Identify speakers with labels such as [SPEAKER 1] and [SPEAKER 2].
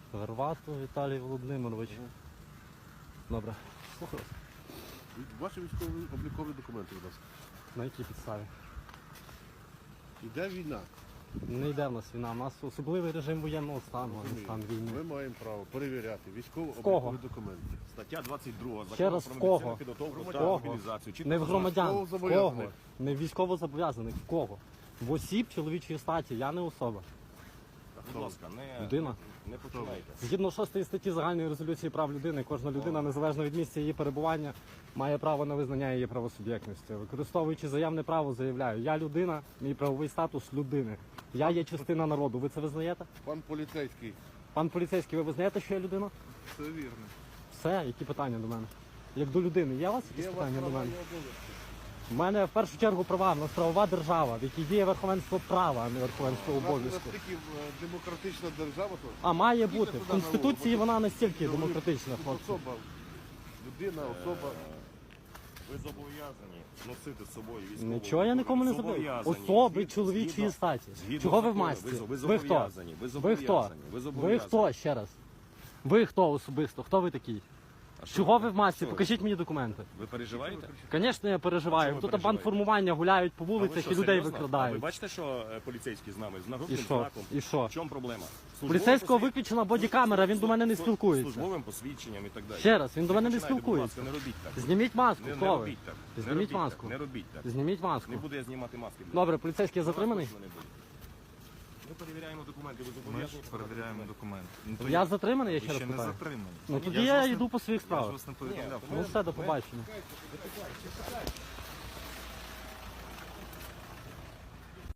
[SPEAKER 1] Гарвату Віталій Володимирович. Добре, слухаю вас.
[SPEAKER 2] Ваші військові облікові документи, будь ласка.
[SPEAKER 1] На якій підставі?
[SPEAKER 2] Іде війна.
[SPEAKER 1] Не йде в нас війна, у нас особливий режим воєнного стану, а не стан війни.
[SPEAKER 2] Ми маємо право перевіряти військово-облікові
[SPEAKER 1] кого?
[SPEAKER 2] документи.
[SPEAKER 3] Стаття 22
[SPEAKER 1] Ще раз,
[SPEAKER 3] Закону
[SPEAKER 1] в кого?
[SPEAKER 3] про мобілізаційну підготовку та
[SPEAKER 1] Кого?
[SPEAKER 3] мобілізацію. Чітко
[SPEAKER 1] Не в
[SPEAKER 3] зазначено.
[SPEAKER 1] громадян, в кого?
[SPEAKER 2] Військовозобов'язаних.
[SPEAKER 1] Не в військовозобов'язаних, в кого? В осіб чоловічої статі, я не особа.
[SPEAKER 3] Будь ласка,
[SPEAKER 1] Людина.
[SPEAKER 3] не починайте.
[SPEAKER 1] Згідно 6 статті Загальної резолюції прав людини, кожна людина, незалежно від місця її перебування, має право на визнання її правосуб'єктності. Використовуючи заявне право, заявляю, я людина, мій правовий статус людини. Я є частина народу. Ви це визнаєте?
[SPEAKER 2] Пан поліцейський.
[SPEAKER 1] Пан поліцейський, ви визнаєте, що я людина?
[SPEAKER 2] Все вірно.
[SPEAKER 1] Все, які питання до мене? Як до людини, є у вас
[SPEAKER 2] Є
[SPEAKER 1] якісь
[SPEAKER 2] у вас
[SPEAKER 1] питання до
[SPEAKER 2] права
[SPEAKER 1] мене?
[SPEAKER 2] і обов'язки.
[SPEAKER 1] У мене в першу чергу права, в нас правова держава, в якій діє верховенство права, а не верховенство
[SPEAKER 2] У нас
[SPEAKER 1] обов'язку.
[SPEAKER 2] настільки демократична держава, то
[SPEAKER 1] А має
[SPEAKER 2] Їдьте
[SPEAKER 1] бути.
[SPEAKER 2] туди
[SPEAKER 1] В
[SPEAKER 2] на
[SPEAKER 1] Конституції
[SPEAKER 2] вулицю.
[SPEAKER 1] вона настільки
[SPEAKER 2] Тут
[SPEAKER 1] демократична, хлопці.
[SPEAKER 2] особа, людина, особа.
[SPEAKER 3] Ви зобов'язані носити з собою військову.
[SPEAKER 1] Нічого я нікому не забув.
[SPEAKER 3] Зобов'язані.
[SPEAKER 1] Особи
[SPEAKER 3] Згідно-
[SPEAKER 1] чоловічої
[SPEAKER 3] згідно-
[SPEAKER 1] статі.
[SPEAKER 3] згідно
[SPEAKER 1] Чого ви в
[SPEAKER 3] закону.
[SPEAKER 1] масці?
[SPEAKER 3] Ви
[SPEAKER 1] Ви хто?
[SPEAKER 3] зобов'язані. Ви
[SPEAKER 1] Ви хто?
[SPEAKER 3] зобов'язані. Ви
[SPEAKER 1] Ви
[SPEAKER 3] зобов'язані.
[SPEAKER 1] хто? Ще раз. Ви хто особисто? Хто ви такий?
[SPEAKER 3] А що
[SPEAKER 1] Чого ви в масці?
[SPEAKER 3] Що ви?
[SPEAKER 1] Покажіть мені документи.
[SPEAKER 3] Ви переживаєте?
[SPEAKER 1] Звісно, я переживаю.
[SPEAKER 3] Чого ви
[SPEAKER 1] Тут
[SPEAKER 3] переживаєте?
[SPEAKER 1] бандформування гуляють по
[SPEAKER 3] А ви
[SPEAKER 1] вулицях
[SPEAKER 3] що,
[SPEAKER 1] і людей
[SPEAKER 3] серйозно? А ви
[SPEAKER 1] викрадають.
[SPEAKER 3] бачите, що поліцейський з нами? З
[SPEAKER 1] І
[SPEAKER 3] нагрудним
[SPEAKER 1] що?
[SPEAKER 3] знаком.
[SPEAKER 1] І що?
[SPEAKER 3] В чому проблема?
[SPEAKER 1] Поліцейського виключена бодікамера, він до мене не спілкується.
[SPEAKER 3] Службовим посвідченням і так далі.
[SPEAKER 1] Ще раз, він до мене не
[SPEAKER 3] Починайте, будь ласка,
[SPEAKER 1] спілкується.
[SPEAKER 3] не робіть так.
[SPEAKER 1] Зніміть маску,
[SPEAKER 3] Не
[SPEAKER 1] хто ви?
[SPEAKER 3] робіть так. Не
[SPEAKER 1] Зніміть
[SPEAKER 3] робіть
[SPEAKER 1] маску.
[SPEAKER 3] так. Не робіть так.
[SPEAKER 1] Зніміть маску.
[SPEAKER 3] Не буду я знімати маски.
[SPEAKER 1] Добре, поліцейський затриманий?
[SPEAKER 3] Точно не буду. Ми перевіряємо документи, ви
[SPEAKER 4] Ми ж
[SPEAKER 3] зобов'язані.
[SPEAKER 4] перевіряємо документи. Ну, то
[SPEAKER 1] Я затриманий, я ще
[SPEAKER 4] ви
[SPEAKER 1] раз
[SPEAKER 4] ще не
[SPEAKER 1] питаю.
[SPEAKER 4] затримані.
[SPEAKER 1] Ну тоді
[SPEAKER 4] ж
[SPEAKER 1] я
[SPEAKER 4] вас не-
[SPEAKER 1] йду по своїх
[SPEAKER 4] Я ж
[SPEAKER 1] справах.
[SPEAKER 4] вас не повідомляв.
[SPEAKER 1] Ну все, до побачення.